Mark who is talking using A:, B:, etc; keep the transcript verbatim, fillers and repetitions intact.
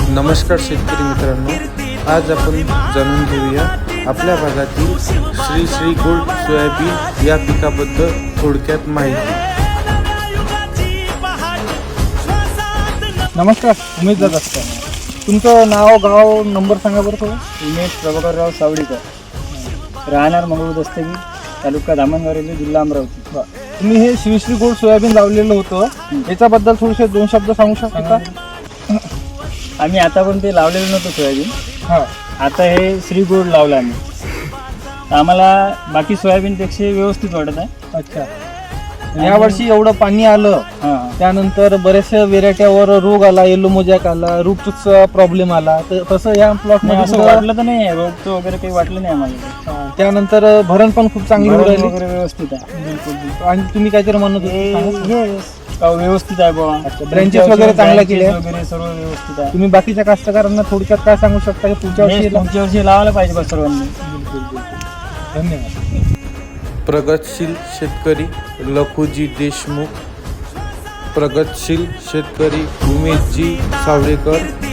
A: नमस्कार शेतकरी मित्रांनो, आज आपण जाणून घेऊया आपल्या भागातील श्री श्री गोल्ड सोयाबीन या पिकाबद्दल थोडक्यात माहिती।
B: नमस्कार, उमेश दादा तुमचं नाव गाव नंबर सांगा बरं थोडं।
C: उमेश प्रभाकरराव सावडीकर, राहणार मंगळूर दस्तगी, तालुका धामणगाव, जिल्हा अमरावती।
B: तुम्ही हे श्री श्री गोल्ड सोयाबीन लावलेलं होतं, याच्याबद्दल थोडेसे दोन शब्द सांगू शकता का?
C: आम्ही आतापर्यंत ते लावलेलं नव्हतं सोयाबीन,
B: हां
C: आता हे श्री गोल्ड लावलं आम्ही, तर आम्हाला बाकी सोयाबीनपेक्षा व्यवस्थित वाटत आहे।
B: अच्छा, यावर्षी एवढं पाणी आलं,
C: हां,
B: त्यानंतर बऱ्याचशा व्हेरायट्यावर रोग आला, येलो मोजॅक आला, रूटचा प्रॉब्लेम आला, तर तसं या प्लॉट
C: नाही असं
B: मध्ये
C: वाटलं तर नाही, रोगचं वगैरे काही वाटलं नाही आम्हाला।
B: त्यानंतर भरण पण खूप चांगली होऊ
C: भरण
B: राहिली
C: वगैरे व्यवस्थित आहे,
B: बिलकुल बिलकुल। आणि तुम्ही काहीतरी म्हणत होते, सांगा.
C: हे का व्यवस्थित आहे बाबा,
B: ब्रँचेस वगैरे चांगल्या केल्या
C: वगैरे सर्व व्यवस्थित आहे।
B: तुम्ही बाकीच्या कास्तकारांना थोडक्यात काय सांगू शकता की पुढच्या
C: हे
B: वर्षी
C: पुढच्या वर्षी लावायला पाहिजे बा सर्वांनी।
B: बिलकुल बिलकुल, धन्यवाद।
A: प्रगतशील शेतकरी लखुजी देशमुख, प्रगतशील शेतकरी उमेशजी सावळेकर,